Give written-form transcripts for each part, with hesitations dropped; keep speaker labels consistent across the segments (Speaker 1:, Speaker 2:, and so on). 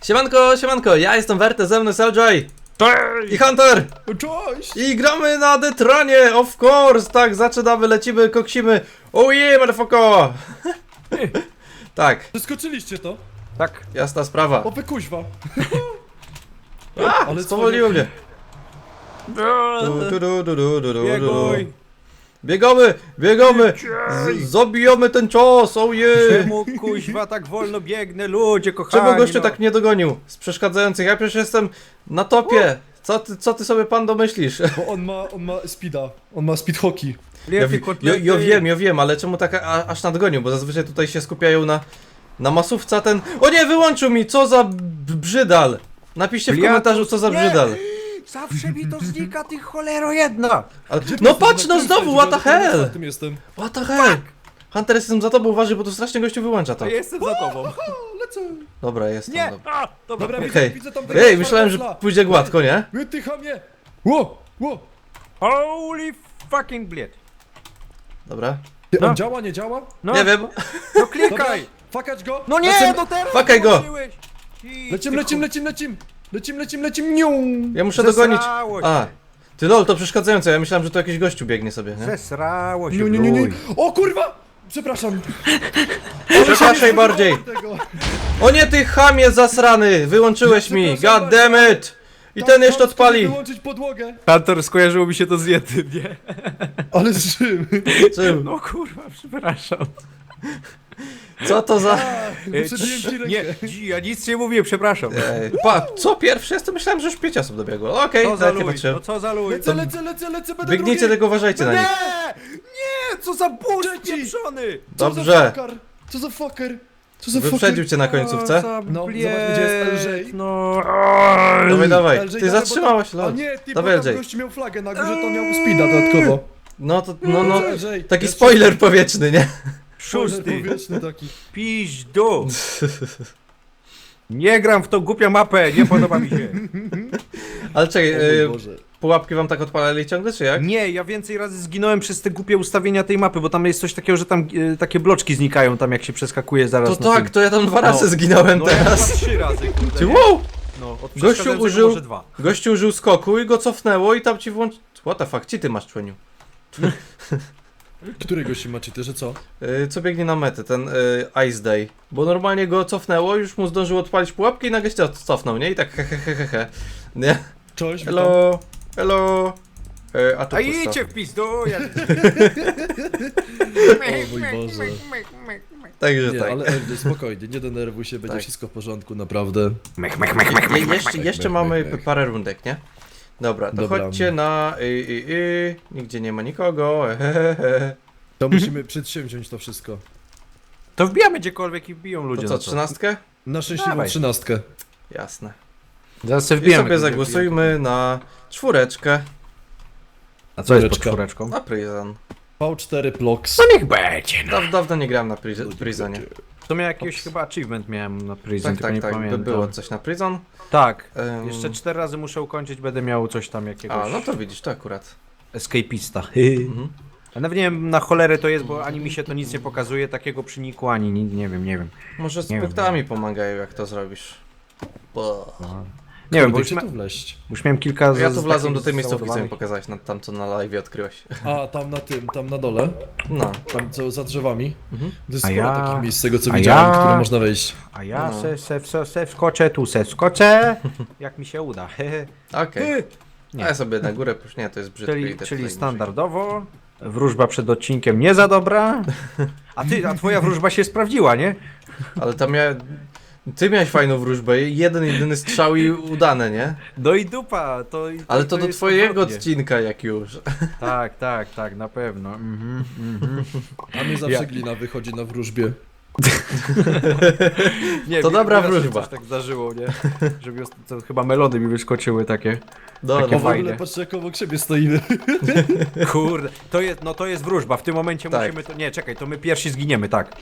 Speaker 1: Siemanko, siemanko, ja jestem Werte, ze mną jest LJ i Hunter.
Speaker 2: Cześć!
Speaker 1: I gramy na Detronie, of course, tak, zaczynamy, lecimy, koksimy. Oh yeah, motherfucker. Tak,
Speaker 2: Przeskoczyliście to?
Speaker 3: Tak.
Speaker 1: jasna sprawa.
Speaker 2: O wy kuźwa!
Speaker 1: A,
Speaker 2: ale
Speaker 1: spowoliło mnie.
Speaker 3: Bieguj!
Speaker 1: Biegamy, zabijamy ten cios, oh yeah.
Speaker 3: Czemu kuźwa tak wolno biegnę, ludzie kochani?
Speaker 1: Czemu gościu
Speaker 3: no.
Speaker 1: tak mnie dogonił z przeszkadzających? Ja przecież jestem na topie. Co ty sobie pan domyślisz?
Speaker 2: Bo on ma speeda. On ma speed hockey.
Speaker 3: Lepiej kotlety.
Speaker 1: Ja wiem, ale czemu tak aż nadgonił? Bo zazwyczaj tutaj się skupiają na masówce, ten... O nie, wyłączył mi! Co za brzydal! Napiszcie w komentarzu, co za
Speaker 3: Nie!
Speaker 1: brzydal.
Speaker 3: Zawsze mi to znika, ty cholero jedna!
Speaker 1: Ale... No patrz, no znowu, what the hell!
Speaker 2: Tym jestem.
Speaker 1: What the hell? Hunter, jestem za tobą, uważaj, bo tu strasznie gościu wyłącza to.
Speaker 3: To jestem za tobą.
Speaker 2: O, lecę!
Speaker 1: Dobra, jestem.
Speaker 3: Nie!
Speaker 1: Dobra.
Speaker 3: A, dobra.
Speaker 2: Dobra,
Speaker 1: Okej.
Speaker 2: widzę tam
Speaker 1: Ej, myślałem, że pójdzie gładko, nie?
Speaker 2: Wytycha mnie! Ło! Ło!
Speaker 3: Holy fucking blade.
Speaker 1: Dobra.
Speaker 2: Ty,
Speaker 3: No.
Speaker 2: on działa, nie działa?
Speaker 3: No,
Speaker 1: Nie wiem.
Speaker 3: no
Speaker 2: Dobra,
Speaker 3: klikaj!
Speaker 2: fakać go!
Speaker 3: No nie,
Speaker 2: Lecimy,
Speaker 3: no teraz
Speaker 1: Fakaj go.
Speaker 3: włączyłeś. I
Speaker 2: Lecim, niu!
Speaker 1: Ja muszę dogonić.
Speaker 3: Zesrało się.
Speaker 1: A. Ty lol, to przeszkadzające, ja myślałem, że to jakiś gościu biegnie sobie, nie?
Speaker 3: Zesrało się,
Speaker 2: Niu.
Speaker 3: bluj.
Speaker 2: O kurwa! Przepraszam!
Speaker 1: Przepraszaj bardziej.
Speaker 2: Tego.
Speaker 1: O nie, ty chamie zasrany! Wyłączyłeś mi!
Speaker 2: Przepraszam
Speaker 1: God damn it! I ten jeszcze
Speaker 2: Tam
Speaker 1: odpali!
Speaker 2: wyłączyć podłogę!
Speaker 3: Hunter, skojarzyło mi się to z jednym, nie?
Speaker 2: Ale z czym?
Speaker 1: Czym?
Speaker 3: No kurwa, przepraszam.
Speaker 1: Co to za...
Speaker 2: Przebiłem ci rękę.
Speaker 3: Nie, ja nic nie mówię, przepraszam.
Speaker 1: Co pierwszy? Ja to myślałem, że już 5 osób dobiegło. Okej,
Speaker 3: Co za
Speaker 1: nawet nie
Speaker 3: luj,
Speaker 1: patrzyłem.
Speaker 3: no co za luj.
Speaker 2: Lecę, będę
Speaker 1: Biegnijcie,
Speaker 2: drugi.
Speaker 1: tylko uważajcie na
Speaker 3: Nie!
Speaker 1: nich.
Speaker 3: Nie! Co za ból
Speaker 2: Trzeci.
Speaker 3: pieprzony!
Speaker 2: Co za
Speaker 1: Dobrze.
Speaker 2: fucker? Co za fucker? Co za
Speaker 1: Wyprzedził cię na końcówce.
Speaker 2: No, zobacz, gdzie jest LJ.
Speaker 3: No.
Speaker 1: Dawaj.
Speaker 2: LJ,
Speaker 1: Ty
Speaker 2: dawaj,
Speaker 1: zatrzymałeś,
Speaker 2: bo tam-
Speaker 1: lol.
Speaker 2: A nie, ty,
Speaker 1: Dawaj,
Speaker 2: bo tam
Speaker 1: LJ.
Speaker 2: gościu miał flagę na górze, to miał speeda dodatkowo.
Speaker 1: No to, no.
Speaker 2: LJ,
Speaker 1: Taki
Speaker 2: jest
Speaker 1: spoiler powietrzny, nie?
Speaker 3: Szósty.
Speaker 2: powietrzny taki.
Speaker 3: Piźdu. Nie gram w tą głupią mapę, nie podoba mi się.
Speaker 1: Ale czekaj,
Speaker 2: O mój Boże.
Speaker 1: pułapki wam tak odpalali ciągle, czy jak?
Speaker 3: Nie, ja więcej razy zginąłem przez te głupie ustawienia tej mapy, bo tam jest coś takiego, że tam takie bloczki znikają tam jak się przeskakuje zaraz
Speaker 1: To
Speaker 3: na
Speaker 1: tak,
Speaker 3: tym.
Speaker 1: to ja tam 2 razy
Speaker 3: No.
Speaker 1: zginąłem
Speaker 3: No ja
Speaker 1: teraz.
Speaker 3: chyba 3 razy, kurde,
Speaker 1: Ty,
Speaker 3: nie?
Speaker 1: wow!
Speaker 3: No, od
Speaker 1: Gościu
Speaker 3: przeszkadzającego
Speaker 1: użył-
Speaker 3: może 2.
Speaker 1: Gościu użył skoku i go cofnęło i tam ci włączy... What the fuck, ci ty masz, członiu.
Speaker 2: Którego się macie, ty, że co?
Speaker 1: Co biegnie na metę, ten Ice Day. Bo normalnie go cofnęło, już mu zdążył odpalić pułapki i nagle się cofnął, nie? I tak he. Nie?
Speaker 2: Cześć, witam.
Speaker 1: Hello. A tu
Speaker 3: A
Speaker 1: pusto.
Speaker 3: idźcie w pizdu, ja...
Speaker 2: O mój Boże.
Speaker 1: Także
Speaker 2: Nie,
Speaker 1: tak.
Speaker 2: ale LJ, spokojnie, nie denerwuj się, będzie
Speaker 1: Tak.
Speaker 2: wszystko w porządku, naprawdę.
Speaker 1: Jeszcze mamy parę rundek, nie? Dobra, to
Speaker 2: Dobra.
Speaker 1: chodźcie na nigdzie nie ma nikogo.
Speaker 2: To musimy przedsięwziąć to wszystko.
Speaker 3: To wbijamy gdziekolwiek i wbiją ludzie.
Speaker 1: To co,
Speaker 3: no
Speaker 1: 13?
Speaker 2: Na szczęśliwą
Speaker 3: Dawaj.
Speaker 2: 13.
Speaker 1: Jasne.
Speaker 3: Zaraz sobie
Speaker 1: I
Speaker 3: wbijamy.
Speaker 1: sobie zagłosujmy na 4.
Speaker 3: A co jest pod
Speaker 2: Czwóreczka.
Speaker 3: czwóreczką?
Speaker 1: Na Prison.
Speaker 2: V4 Plox.
Speaker 3: No niech będzie, no.
Speaker 1: Dawno nie grałem na Prisonie.
Speaker 3: To miał jakiś chyba achievement miałem na Prison,
Speaker 1: Tak,
Speaker 3: tylko nie
Speaker 1: by
Speaker 3: pamiętam.
Speaker 1: było coś na Prison.
Speaker 3: Tak.
Speaker 1: Em,
Speaker 3: Jeszcze 4 razy muszę ukończyć, będę miał coś tam jakiegoś
Speaker 1: A, no to widzisz, to akurat.
Speaker 3: escapista.
Speaker 1: Mhm.
Speaker 3: A nawet nie wiem na cholerę to jest, bo ani mi się to nic nie pokazuje, takiego przyniku, ani nie wiem.
Speaker 1: Może z
Speaker 3: Nie wiem.
Speaker 1: punktami pomagają, jak to zrobisz. Bo...
Speaker 3: Nie wiem, bo
Speaker 2: Kurde,
Speaker 3: już,
Speaker 2: gdzie tu wleść?
Speaker 3: już miałem kilka
Speaker 1: Ja tu wlazłem do
Speaker 3: takich
Speaker 1: tej miejscówki, co mi
Speaker 3: załadowanych.
Speaker 1: pokazałeś, tam co na live odkryłeś.
Speaker 2: A, tam na dole.
Speaker 1: No.
Speaker 2: Tam co za drzewami.
Speaker 1: Mhm.
Speaker 2: To jest
Speaker 3: A
Speaker 2: sporo
Speaker 3: ja-
Speaker 2: takich miejsc z tego co
Speaker 3: a
Speaker 2: widziałem,
Speaker 3: ja-
Speaker 2: które można wejść.
Speaker 3: A ja
Speaker 1: No.
Speaker 3: se wskoczę, tu se wskoczę, jak mi się uda.
Speaker 1: Okej.
Speaker 3: Nie.
Speaker 1: A ja sobie na górę, już nie, to jest brzydkie.
Speaker 3: Czyli,
Speaker 1: idę
Speaker 3: czyli
Speaker 1: tutaj
Speaker 3: standardowo, wróżba przed odcinkiem nie za dobra, a twoja wróżba się sprawdziła, nie?
Speaker 1: muszę. Ale tam ty miałeś fajną wróżbę, jedyny strzał i udane, nie?
Speaker 3: No i dupa,
Speaker 1: Ale to do
Speaker 3: jest
Speaker 1: twojego
Speaker 3: odwrotnie.
Speaker 1: odcinka jak już.
Speaker 3: Tak, na pewno.
Speaker 2: A mnie zawsze
Speaker 3: Ja-
Speaker 2: glina wychodzi na wróżbie.
Speaker 3: Nie,
Speaker 1: To dobra
Speaker 3: raz się
Speaker 1: wróżba.
Speaker 3: Coś tak zdarzyło, nie? Żeby to chyba melody mi wyskoczyły takie.
Speaker 1: No,
Speaker 3: Takie
Speaker 2: O, w
Speaker 1: no,
Speaker 3: fajne.
Speaker 2: ogóle patrzcie jak obok siebie stoimy.
Speaker 3: Kurde, to jest wróżba, w tym momencie
Speaker 1: Tak.
Speaker 3: musimy to... Nie, czekaj, to my pierwsi zginiemy, tak.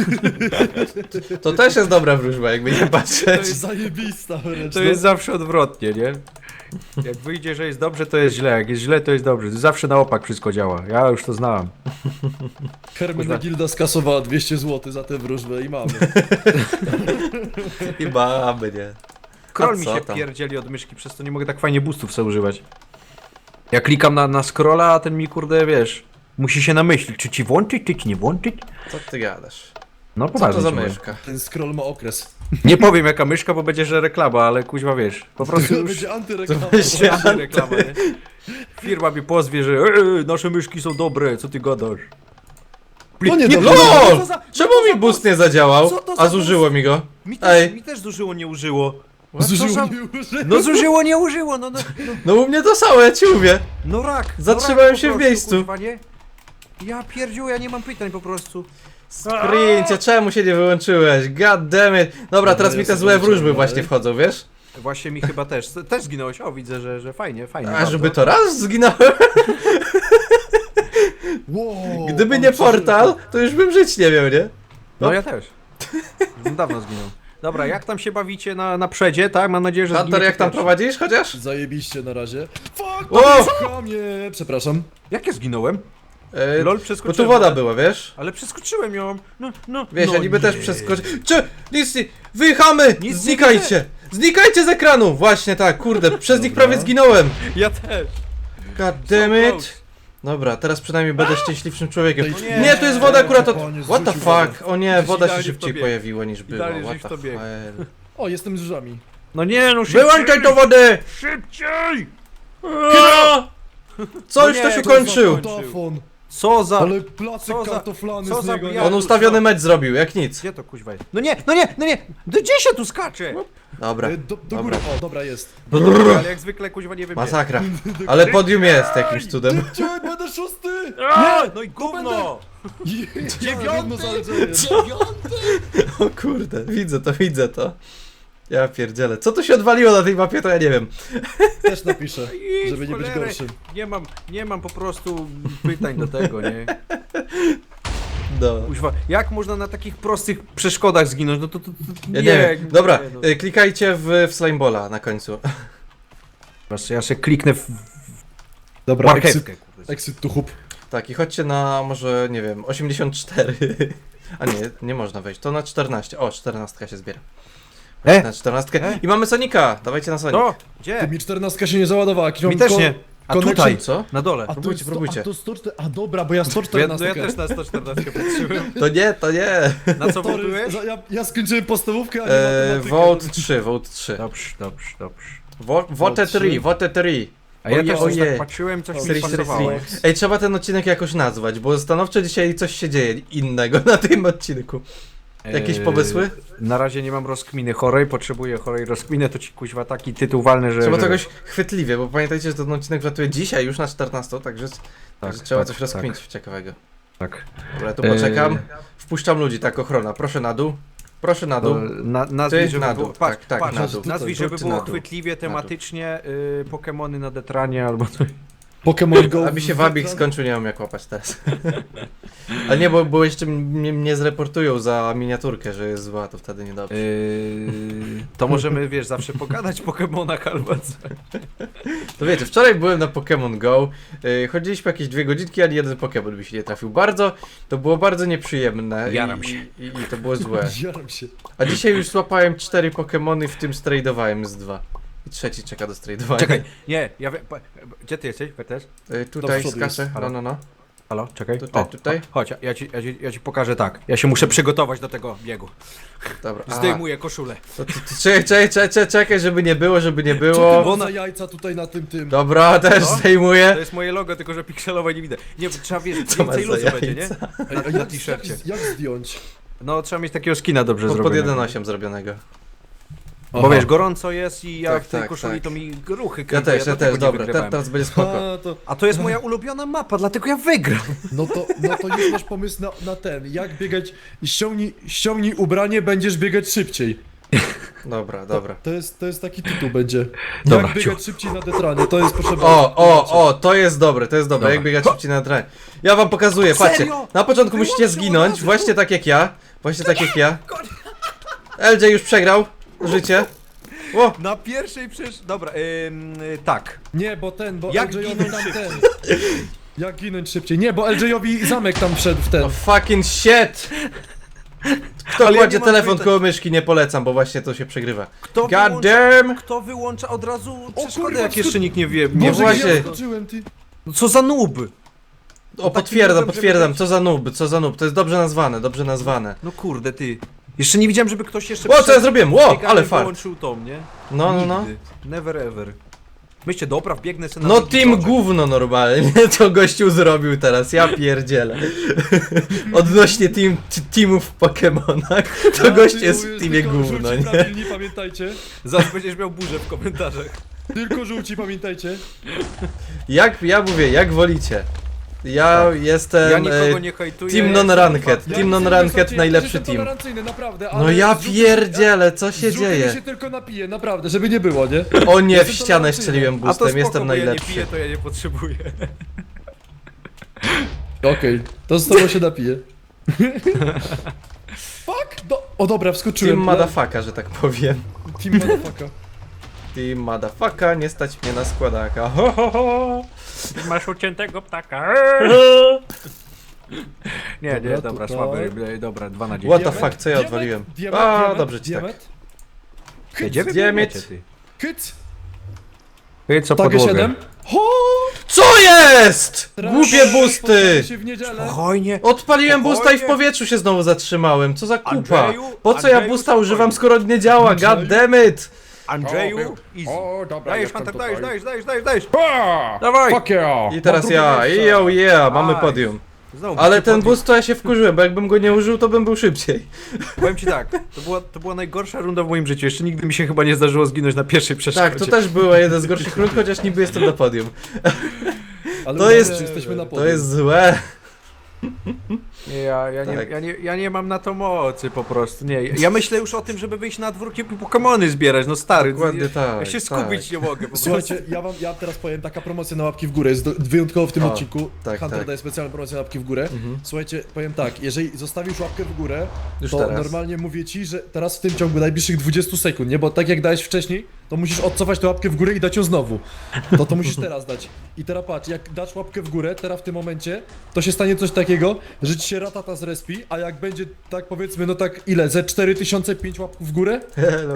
Speaker 1: to też jest dobra wróżba, jakby nie
Speaker 2: To
Speaker 1: patrzeć.
Speaker 2: jest zajebista wręcz.
Speaker 3: To
Speaker 2: no.
Speaker 3: jest zawsze odwrotnie, nie? Jak wyjdzie, że jest dobrze, to jest źle, jak jest źle, to jest dobrze. Zawsze na opak wszystko działa, ja już to znałem.
Speaker 2: Hermenegilda skasowała 200 zł za tę wróżbę i mamy.
Speaker 1: I mamy, nie?
Speaker 3: Scroll mi
Speaker 1: co
Speaker 3: się
Speaker 1: tam?
Speaker 3: pierdzieli od myszki, przez to nie mogę tak fajnie boostów sobie używać. Ja klikam na scrolla, a ten mi kurde, wiesz, musi się namyślić, czy ci włączyć, czy ci nie włączyć.
Speaker 1: Co ty gadasz?
Speaker 3: No
Speaker 1: Co to
Speaker 3: poważnie
Speaker 1: za
Speaker 3: ci mówię.
Speaker 1: myszka?
Speaker 2: Ten scroll ma okres.
Speaker 3: Nie powiem jaka myszka, bo będzie, że reklama, ale kuźwa wiesz, po prostu
Speaker 2: To
Speaker 3: już
Speaker 2: będzie antyreklama.
Speaker 1: będzie
Speaker 3: reklama, nie? Firma mi pozwie, że nasze myszki są dobre, co ty gadasz?
Speaker 2: No nie,
Speaker 3: Nie,
Speaker 2: dobrze.
Speaker 1: LOL!
Speaker 3: co za-
Speaker 1: Czemu
Speaker 3: co za
Speaker 1: mi boost nie zadziałał?
Speaker 3: Co to za
Speaker 1: A zużyło mi go. Ej.
Speaker 3: Mi też zużyło, nie użyło.
Speaker 2: Zużyło,
Speaker 3: Co za-
Speaker 2: nie użyło.
Speaker 3: No zużyło, nie użyło, no
Speaker 1: No u mnie to samo, ja ci mówię.
Speaker 3: no rak.
Speaker 1: Zatrzymałem
Speaker 3: no rak
Speaker 1: się
Speaker 3: po
Speaker 1: w
Speaker 3: prostu,
Speaker 1: miejscu.
Speaker 3: Kuźwa, nie? Ja pierdziu, ja nie mam pytań po prostu.
Speaker 1: Sprincie, czemu się nie wyłączyłeś? God damn it. Dobra, teraz
Speaker 2: ja
Speaker 1: mi te
Speaker 2: sobie
Speaker 1: złe wróżby
Speaker 2: wyciągnę.
Speaker 1: właśnie wchodzą, wiesz?
Speaker 3: Właśnie mi chyba też zginąłeś. O, widzę, że fajnie, fajnie.
Speaker 1: A
Speaker 3: bardzo.
Speaker 1: żeby to raz zginąłem?
Speaker 2: Wow,
Speaker 1: Gdyby
Speaker 2: on
Speaker 1: nie
Speaker 2: przeżył.
Speaker 1: portal, to już bym żyć nie miał, nie?
Speaker 3: No ja też. Już bym dawno zginął. Dobra, jak tam się bawicie na przedzie, tak? Mam nadzieję, że
Speaker 1: Hunter,
Speaker 3: zginiecie
Speaker 1: jak tam
Speaker 3: pierwszy.
Speaker 1: prowadzisz chociaż?
Speaker 2: Zajebiście na razie. Fuck!
Speaker 1: O!
Speaker 2: Chamie! Przepraszam.
Speaker 3: Jak ja zginąłem?
Speaker 1: Bo
Speaker 3: LOL
Speaker 1: tu
Speaker 3: przeskoczyłem.
Speaker 1: woda była, wiesz?
Speaker 3: Ale przeskoczyłem ją. No.
Speaker 1: Wiesz,
Speaker 3: no
Speaker 1: ja niby
Speaker 3: nie.
Speaker 1: też przeskoczyłem. Nic nie... Wyjechamy!
Speaker 3: Nic nie
Speaker 1: Znikajcie! Znikajcie z ekranu! Właśnie tak, kurde, przez nich prawie zginąłem.
Speaker 3: Ja też.
Speaker 1: God damn
Speaker 3: So
Speaker 1: it!
Speaker 3: close.
Speaker 1: Dobra, teraz przynajmniej będę szczęśliwszym człowiekiem.
Speaker 2: No
Speaker 3: nie.
Speaker 1: Nie, to jest woda akurat od...
Speaker 2: Panie,
Speaker 1: What the
Speaker 2: zrzucił wodę.
Speaker 1: fuck? O nie, woda się
Speaker 3: Idealnie w
Speaker 1: szybciej
Speaker 3: tobie.
Speaker 1: pojawiła niż była.
Speaker 3: Idealnie,
Speaker 1: What
Speaker 3: żeś
Speaker 1: the
Speaker 3: w tobie.
Speaker 1: hell?
Speaker 2: O, jestem z żami.
Speaker 3: No nie, no szybciej.
Speaker 1: Wyłączaj do wody!
Speaker 3: Szybciej!
Speaker 1: Coś
Speaker 3: No
Speaker 1: to
Speaker 3: nie,
Speaker 1: się
Speaker 3: to
Speaker 1: kończył!
Speaker 2: Kartofon.
Speaker 3: Co za...
Speaker 2: Ale placek
Speaker 3: co za-
Speaker 2: kartoflany
Speaker 3: co
Speaker 2: z
Speaker 3: za
Speaker 2: niego.
Speaker 3: bia-
Speaker 2: Ja...
Speaker 1: On ustawiony mecz zrobił, jak nic.
Speaker 3: Gdzie to kuźwa jest? No nie! Gdzie się tu skacze?
Speaker 1: Dobra,
Speaker 2: Do
Speaker 1: dobra.
Speaker 2: góry. O, dobra, jest.
Speaker 3: Ale jak zwykle kuźwa nie wybiegł.
Speaker 1: Masakra. Ale podium jest jakimś cudem.
Speaker 2: Cię, będę szósty!
Speaker 3: Nie! No i gówno!
Speaker 2: Dziewiąty!
Speaker 1: O kurde, widzę to. Ja pierdzielę. Co tu się odwaliło na tej mapie, to ja nie wiem.
Speaker 2: Też napiszę,
Speaker 3: Idź,
Speaker 2: żeby nie być
Speaker 3: cholerę.
Speaker 2: gorszym.
Speaker 3: Nie mam po prostu pytań do tego, nie?
Speaker 1: No.
Speaker 3: Kuźwa, jak można na takich prostych przeszkodach zginąć? No to
Speaker 1: Ja nie wiem. Dobra,
Speaker 3: no.
Speaker 1: klikajcie w Slimeballa na końcu.
Speaker 3: Ja się kliknę w
Speaker 2: Dobra,
Speaker 3: marchewkę. kurde.
Speaker 2: exit to hub.
Speaker 1: Tak, i chodźcie na może, nie wiem, 84. A nie można wejść. To na 14. O, 14 się zbiera. Na 14. I mamy Sonika. Dawajcie na Sonic.
Speaker 3: To!
Speaker 2: Ty,
Speaker 3: Gdzie?
Speaker 2: mi 14 się nie załadowała. jakiś
Speaker 3: Mi
Speaker 2: mam
Speaker 3: też nie. A
Speaker 2: connection.
Speaker 3: tutaj,
Speaker 1: Co?
Speaker 3: na dole.
Speaker 2: A
Speaker 1: Próbujcie,
Speaker 2: to,
Speaker 1: próbujcie.
Speaker 2: A, to 104, a dobra, bo ja
Speaker 3: No
Speaker 2: 114.
Speaker 3: ja też na 114 patrzyłem.
Speaker 1: To nie.
Speaker 3: Na co
Speaker 2: Sorry,
Speaker 3: wotujesz?
Speaker 2: ja skończyłem podstawówkę, a nie matematykę.
Speaker 1: Vote 3, vote 3.
Speaker 3: Dobrze.
Speaker 1: Vote 3, vote 3.
Speaker 3: A ja
Speaker 1: Oje,
Speaker 3: też
Speaker 1: oje.
Speaker 3: tak patrzyłem, coś mi
Speaker 1: Series,
Speaker 3: pasowało.
Speaker 1: series. Ej, trzeba ten odcinek jakoś nazwać, bo stanowczo dzisiaj coś się dzieje innego na tym odcinku. Jakieś pomysły?
Speaker 3: Na razie nie mam rozkminy chorej, potrzebuję chorej rozkminy, to ci kuźwa taki tytuł walny, że...
Speaker 1: Trzeba
Speaker 3: że...
Speaker 1: czegoś chwytliwie, bo pamiętajcie, że ten odcinek wlatuje dzisiaj już na 14, także trzeba coś rozkminić ciekawego.
Speaker 3: Tak.
Speaker 1: Dobra, ja tu poczekam. Wpuszczam ludzi, tak, ochrona. Proszę na dół. Proszę na dół.
Speaker 3: Nazwij,
Speaker 1: Ty
Speaker 3: żeby
Speaker 1: na
Speaker 3: było,
Speaker 1: dół,
Speaker 3: patrz,
Speaker 1: tak,
Speaker 3: patrz,
Speaker 1: na dół.
Speaker 3: nazwij, żeby
Speaker 1: Ty
Speaker 3: było
Speaker 1: na dół.
Speaker 3: chwytliwie, tematycznie, Pokemony na detranie albo coś.
Speaker 2: Pokémon Go.
Speaker 1: A mi się wabik skończył, nie wiem jak łapać teraz. Ale nie, bo jeszcze mnie zreportują za miniaturkę, że jest zła, to wtedy niedobrze.
Speaker 3: To możemy, wiesz, zawsze pogadać o Pokemonach albo coś.
Speaker 1: To wiecie, wczoraj byłem na Pokémon Go, chodziliśmy jakieś 2 godzinki, ani jeden Pokémon mi się nie trafił. To było bardzo nieprzyjemne
Speaker 3: Jaram się.
Speaker 1: i to było złe.
Speaker 2: Jaram się.
Speaker 1: A dzisiaj już złapałem 4 Pokémony, w tym strajdowałem z 2. I trzeci czeka do strajdowania.
Speaker 3: Czekaj, nie, gdzie ty jesteś, Wertes?
Speaker 1: Tutaj
Speaker 2: Do przodu
Speaker 1: skaczę,
Speaker 2: jest.
Speaker 1: no.
Speaker 3: Halo, czekaj.
Speaker 1: Tutaj.
Speaker 3: Chodź, ja ci pokażę tak. Ja się muszę przygotować do tego biegu.
Speaker 1: Dobra. Aha.
Speaker 3: Zdejmuję koszulę.
Speaker 1: To czekaj, żeby nie było.
Speaker 2: Co ty
Speaker 3: Bo
Speaker 2: ma za jajca tutaj na tym?
Speaker 1: Dobra, też
Speaker 3: Co?
Speaker 1: zdejmuję.
Speaker 3: To jest moje logo, tylko że pikselowe nie widzę. Nie, trzeba wiesz,
Speaker 1: Co masz
Speaker 3: więcej
Speaker 1: za
Speaker 3: luzu będzie, nie?
Speaker 1: jajca?
Speaker 2: Ej, a
Speaker 3: Na
Speaker 2: jak,
Speaker 3: t-shircie.
Speaker 2: jak zdjąć?
Speaker 3: No, trzeba mieć takiego skina dobrze
Speaker 1: Pod
Speaker 3: zrobionego.
Speaker 1: 1.8 zrobionego.
Speaker 3: Bo wiesz, gorąco jest i ja
Speaker 1: Tak,
Speaker 3: w tej
Speaker 1: tak,
Speaker 3: koszuli
Speaker 1: tak.
Speaker 3: to mi ruchy
Speaker 1: Ja
Speaker 3: kręcą,
Speaker 1: też,
Speaker 3: dlatego nie
Speaker 1: dobra,
Speaker 3: wygrywałem.
Speaker 1: teraz będzie spoko.
Speaker 2: A,
Speaker 3: A to jest moja ulubiona mapa, dlatego ja wygram.
Speaker 2: no to już masz pomysł na ten. Jak biegać? Ściągnij ubranie, będziesz biegać szybciej.
Speaker 1: Dobra.
Speaker 2: To jest taki tytuł będzie.
Speaker 3: Dobra,
Speaker 2: Jak biegać szybciej na detranie, to jest potrzebne.
Speaker 1: To jest dobre,
Speaker 3: Dobra.
Speaker 1: jak biegać szybciej na trenie. Ja wam pokazuję, patrzcie.
Speaker 3: Serio?
Speaker 1: Na początku musicie
Speaker 3: Wyłączył
Speaker 1: zginąć,
Speaker 3: razy,
Speaker 1: właśnie tak jak ja. LJ już przegrał życie. O,
Speaker 3: Na pierwszej Dobra, tak.
Speaker 2: Nie, bo
Speaker 3: Jak
Speaker 2: LJ-owi
Speaker 3: ginąć
Speaker 2: tam
Speaker 3: szybciej?
Speaker 2: ten. Jak ginąć szybciej? Nie, bo LJ-owi zamek tam wszedł w ten.
Speaker 1: fucking shit! Kto
Speaker 3: Ale ja
Speaker 1: kładzie
Speaker 3: nie mam
Speaker 1: telefon
Speaker 3: pytań.
Speaker 1: koło myszki, nie polecam, bo właśnie to się przegrywa.
Speaker 3: Kto
Speaker 1: God
Speaker 3: wyłącza,
Speaker 1: damn!
Speaker 3: kto wyłącza od razu przeszkodę,
Speaker 2: kurwa,
Speaker 3: jak jeszcze nikt nie wie?
Speaker 1: Nie
Speaker 2: Boże,
Speaker 1: właśnie.
Speaker 2: gdzie ja skoczyłem, ty?
Speaker 3: No co za noob?
Speaker 1: O,
Speaker 3: takim
Speaker 1: potwierdzam,
Speaker 3: nubem,
Speaker 1: potwierdzam,
Speaker 3: żeby być-
Speaker 1: co za noob, to jest dobrze nazwane, dobrze nazwane.
Speaker 3: No kurde, ty. Jeszcze nie widziałem, żeby ktoś jeszcze...
Speaker 1: O, co ja
Speaker 3: przyszedł,
Speaker 1: zrobiłem? O,
Speaker 3: biegał
Speaker 1: ale
Speaker 3: i
Speaker 1: fart.
Speaker 3: wyłączył to, nie?
Speaker 1: No, no, no.
Speaker 3: Nigdy. Never ever. Myślcie, dobra, biegnę sobie na
Speaker 1: No
Speaker 3: drugi
Speaker 1: team
Speaker 3: krążek.
Speaker 1: gówno normalnie, co gościu zrobił teraz, ja pierdzielę. Odnośnie teamów w Pokemonach, to gość jest w teamie gówno, nie?
Speaker 2: Prawilni, pamiętajcie.
Speaker 3: Zaraz będziesz miał burzę w komentarzach.
Speaker 2: Tylko żółci, pamiętajcie.
Speaker 1: Ja mówię, jak wolicie. Ja jestem
Speaker 3: Ja nikogo nie hejtuję.
Speaker 1: team
Speaker 3: jestem
Speaker 1: non-ranked.
Speaker 3: fan.
Speaker 1: Team
Speaker 2: Ja
Speaker 1: non-ranked,
Speaker 2: jestem
Speaker 1: najlepszy
Speaker 2: jestem
Speaker 1: team.
Speaker 2: tolerancyjny, naprawdę,
Speaker 1: No
Speaker 2: ale
Speaker 1: ja
Speaker 2: z żółtym-
Speaker 1: pierdzielę, co się
Speaker 2: z żółtymi
Speaker 1: dzieje?
Speaker 2: się tylko napiję, naprawdę, żeby nie było, nie?
Speaker 1: O nie, w
Speaker 2: Jestem
Speaker 1: ścianę
Speaker 2: tolerancyjny.
Speaker 1: strzeliłem
Speaker 3: A to
Speaker 1: boostem,
Speaker 3: spoko,
Speaker 1: jestem
Speaker 3: bo ja nie
Speaker 1: najlepszy.
Speaker 3: piję, to ja nie potrzebuję.
Speaker 2: Okej, to z tobą się napiję. Fuck! O dobra, wskoczyłem.
Speaker 1: Team motherfucker, że tak powiem.
Speaker 2: Team motherfucker.
Speaker 1: Team motherfucker, nie stać mnie na składaka. Ho, ho, ho.
Speaker 3: Masz uciętego ptaka. Nie,
Speaker 2: Dobra,
Speaker 3: dobra,
Speaker 2: tutaj.
Speaker 3: słaby, dobra, 2 na 10.
Speaker 1: What the
Speaker 2: Diament,
Speaker 1: fuck, co ja
Speaker 2: diament,
Speaker 1: odwaliłem?
Speaker 2: diament,
Speaker 1: A,
Speaker 2: diament,
Speaker 1: dobrze ci tak.
Speaker 2: diament.
Speaker 3: Jedziemy w
Speaker 1: Diament.
Speaker 3: diamecie, ty.
Speaker 2: Kyc!
Speaker 3: Ty, co
Speaker 2: Takie
Speaker 3: podłogę.
Speaker 2: 7. Ho!
Speaker 1: Co jest? Głupie boosty!
Speaker 2: Spotkamy się w niedzielę.
Speaker 3: Spokojnie.
Speaker 1: Odpaliłem boosta i w
Speaker 3: Spokojnie.
Speaker 1: powietrzu się znowu zatrzymałem. Co za kupa?
Speaker 3: Andrzeju,
Speaker 1: Po co ja
Speaker 3: Andrzeju,
Speaker 1: boosta używam,
Speaker 3: spokojnie.
Speaker 1: skoro nie działa? God
Speaker 2: Andrzeju.
Speaker 1: damn it!
Speaker 3: Andrzeju, easy.
Speaker 2: O, dobra,
Speaker 3: Dajesz,
Speaker 2: jestem
Speaker 3: Hunter,
Speaker 2: tutaj.
Speaker 3: dajesz.
Speaker 2: Pa!
Speaker 3: Dawaj.
Speaker 2: Fuck yeah!
Speaker 1: I teraz ja, yo yeah, mamy
Speaker 3: Aj.
Speaker 1: podium.
Speaker 3: Znowu
Speaker 1: Ale
Speaker 3: ci
Speaker 1: ten
Speaker 3: podbił.
Speaker 1: boost to ja się wkurzyłem, bo jakbym go nie użył, to bym był szybciej.
Speaker 3: Powiem ci tak, to była najgorsza runda w moim życiu. Jeszcze nigdy mi się chyba nie zdarzyło zginąć na pierwszej przeszkodzie.
Speaker 1: Tak, to też było jeden z gorszych rund, chociaż niby jestem na podium.
Speaker 2: Ale
Speaker 1: To
Speaker 2: uważaj,
Speaker 1: jest-
Speaker 2: że jesteśmy na
Speaker 1: To
Speaker 2: podium.
Speaker 1: jest złe.
Speaker 3: Nie,
Speaker 1: Tak.
Speaker 3: ja nie mam na to mocy po prostu, nie. Ja myślę już o tym, żeby wyjść na dwórki i Pokemony zbierać, no stary.
Speaker 1: Dokładnie
Speaker 3: ja,
Speaker 1: tak,
Speaker 3: Ja się
Speaker 1: tak.
Speaker 3: skupić nie mogę po prostu.
Speaker 2: Słuchajcie, ja teraz powiem, taka promocja na łapki w górę jest wyjątkowo w tym
Speaker 1: O,
Speaker 2: odcinku.
Speaker 1: tak,
Speaker 2: Hunter
Speaker 1: tak.
Speaker 2: daje specjalną promocję na łapki w górę. Słuchajcie, powiem tak, jeżeli zostawisz łapkę w górę,
Speaker 1: Już
Speaker 2: to
Speaker 1: teraz.
Speaker 2: normalnie mówię ci, że teraz w tym ciągu najbliższych 20 sekund, nie? Bo tak jak dałeś wcześniej, to musisz odcofać tę łapkę w górę i dać ją znowu. To musisz teraz dać. I teraz patrz, jak dasz łapkę w górę, teraz w tym momencie, to się stanie coś takiego, że ci się ratata zrespi, a jak będzie tak powiedzmy, no tak ile, ze 4005 łapków w górę?
Speaker 1: Hello.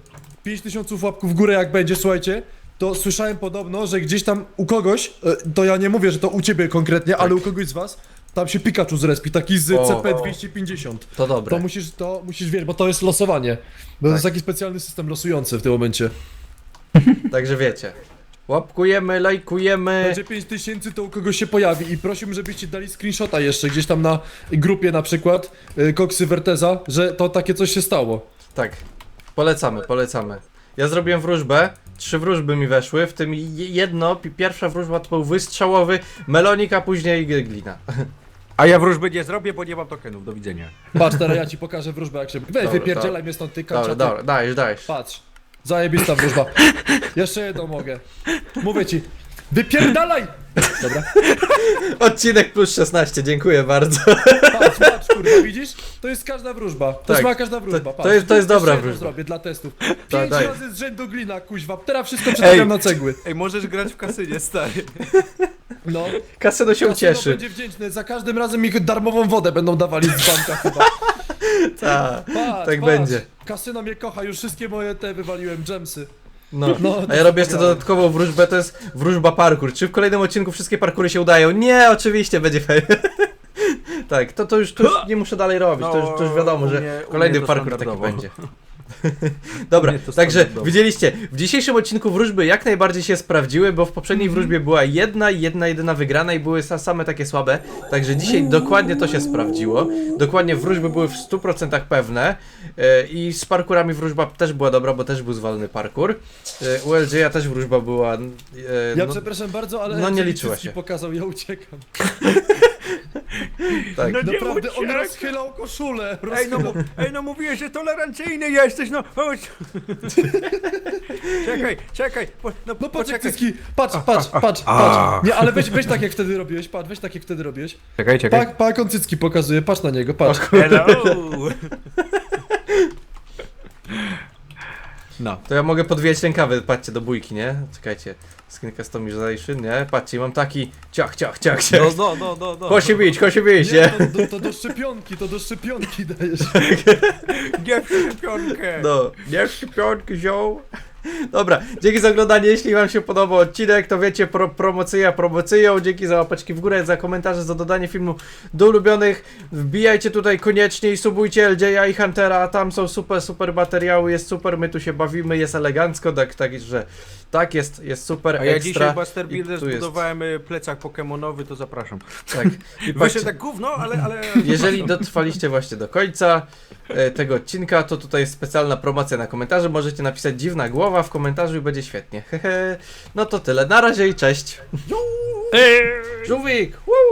Speaker 2: 5000 łapków w górę jak będzie, słuchajcie, to słyszałem podobno, że gdzieś tam u kogoś, to ja nie mówię, że to u ciebie konkretnie, ale u kogoś z was, tam się Pikachu zrespi, taki z
Speaker 1: O.
Speaker 2: CP250.
Speaker 1: To dobre.
Speaker 2: To musisz wiedzieć, bo to jest losowanie. Bo to jest taki specjalny system losujący w tym momencie.
Speaker 1: Także wiecie. Łapkujemy, lajkujemy.
Speaker 2: Będzie 5000, to u kogoś się pojawi i prosiłbym, żebyście dali screenshota jeszcze gdzieś tam na grupie na przykład Koksy Verteza, że to takie coś się stało.
Speaker 1: Tak. Polecamy. Ja zrobiłem wróżbę. 3 wróżby mi weszły, w tym pierwsza wróżba to był wystrzałowy melonik, a później glina.
Speaker 3: A ja wróżby nie zrobię, bo nie mam tokenów, do widzenia.
Speaker 2: Patrz, teraz ja ci pokażę wróżbę jak się... Weź,
Speaker 1: Dobra,
Speaker 2: wypierdzielaj mnie stąd, ty kanczaty.
Speaker 1: Dobra, dajesz.
Speaker 2: Patrz, zajebista wróżba. Jeszcze jedną mogę. Mówię ci, wypierdalaj! Dobra,
Speaker 1: Odcinek plus 16, dziękuję bardzo.
Speaker 2: patrz, kurwa, widzisz? To jest każda wróżba. To
Speaker 1: Tak,
Speaker 2: jest moja każda wróżba, patrz.
Speaker 1: to jest
Speaker 2: Jeszcze
Speaker 1: dobra
Speaker 2: jedną
Speaker 1: wróżba.
Speaker 2: zrobię dla testów. 5
Speaker 1: daj.
Speaker 2: razy z rzędu glina, kuźwa. Teraz wszystko przestawiam na cegły.
Speaker 3: Ej, możesz grać w kasynie, stary.
Speaker 2: No.
Speaker 1: Kasyno się
Speaker 2: Kasyno
Speaker 1: ucieszy.
Speaker 2: będzie wdzięczny. Za każdym razem mi darmową wodę będą dawali z banka chyba.
Speaker 1: Tak,
Speaker 2: Patrz,
Speaker 1: tak
Speaker 2: patrz.
Speaker 1: będzie.
Speaker 2: Kasyno mnie kocha, już wszystkie moje te wywaliłem dżemsy.
Speaker 1: No.
Speaker 2: No,
Speaker 1: A ja robię jeszcze dodatkową wróżbę, to jest wróżba parkour. Czy w kolejnym odcinku wszystkie parkury się udają? Nie, oczywiście, będzie fajnie. Tak, to już nie muszę dalej robić, to już wiadomo,
Speaker 3: u
Speaker 1: że
Speaker 3: mnie
Speaker 1: kolejny
Speaker 3: to
Speaker 1: parkour taki
Speaker 3: standardowo.
Speaker 1: będzie. Dobra,
Speaker 3: U mnie to
Speaker 1: także
Speaker 3: standardowo.
Speaker 1: widzieliście, w dzisiejszym odcinku wróżby jak najbardziej się sprawdziły, bo w poprzedniej wróżbie była jedyna wygrana i były same takie słabe, także dzisiaj dokładnie to się sprawdziło, dokładnie wróżby były w 100% pewne i z parkurami wróżba też była dobra, bo też był zwalny parkour, u LJ też wróżba była,
Speaker 2: Ja
Speaker 1: no,
Speaker 2: przepraszam bardzo, ale
Speaker 1: no nie
Speaker 2: jeżeli
Speaker 1: liczyła
Speaker 2: cycki
Speaker 1: się.
Speaker 2: pokazał, ja uciekam.
Speaker 1: tak.
Speaker 2: Naprawdę, on rozchylał koszulę.
Speaker 3: Ej, no mówiłeś, że tolerancyjny jesteś, no chodź. Czekaj,
Speaker 2: No patrz jak
Speaker 3: poczekaj.
Speaker 2: cycki, patrz. Nie, ale weź tak jak wtedy robiłeś, patrz, weź tak jak wtedy robiłeś.
Speaker 3: Czekaj.
Speaker 2: Pa jak on cycki pokazuje, patrz na niego, patrz.
Speaker 3: Hello. No.
Speaker 1: To ja mogę podwijać rękawy, patrzcie, do bójki, nie? Czekajcie. Skin customization, nie? Patrzcie, mam taki ciach.
Speaker 3: No.
Speaker 1: Chodź się bić,
Speaker 2: Nie,
Speaker 1: nie?
Speaker 2: to do szczepionki dajesz.
Speaker 3: Nie szczepionkę.
Speaker 1: No, nie szczepionki wziął. Dobra, dzięki za oglądanie, jeśli wam się podobał odcinek, to wiecie, promocyją, dzięki za łapeczki w górę, za komentarze, za dodanie filmu do ulubionych, wbijajcie tutaj koniecznie i subujcie LJ i Huntera, tam są super materiały, jest super, my tu się bawimy, jest elegancko, także tak, jest super,
Speaker 3: A ja
Speaker 1: ekstra.
Speaker 3: dzisiaj Buster Builder
Speaker 1: I tu jest-
Speaker 3: zbudowałem plecak pokemonowy, to zapraszam.
Speaker 1: Tak, i
Speaker 3: Właśnie
Speaker 1: patrzcie,
Speaker 3: tak gówno, ale...
Speaker 1: jeżeli dotrwaliście właśnie do końca tego odcinka, to tutaj jest specjalna promocja na komentarze. Możecie napisać dziwna głowa w komentarzu i będzie świetnie. Hehe. No to tyle. Na razie i cześć. Żółwik! Woo!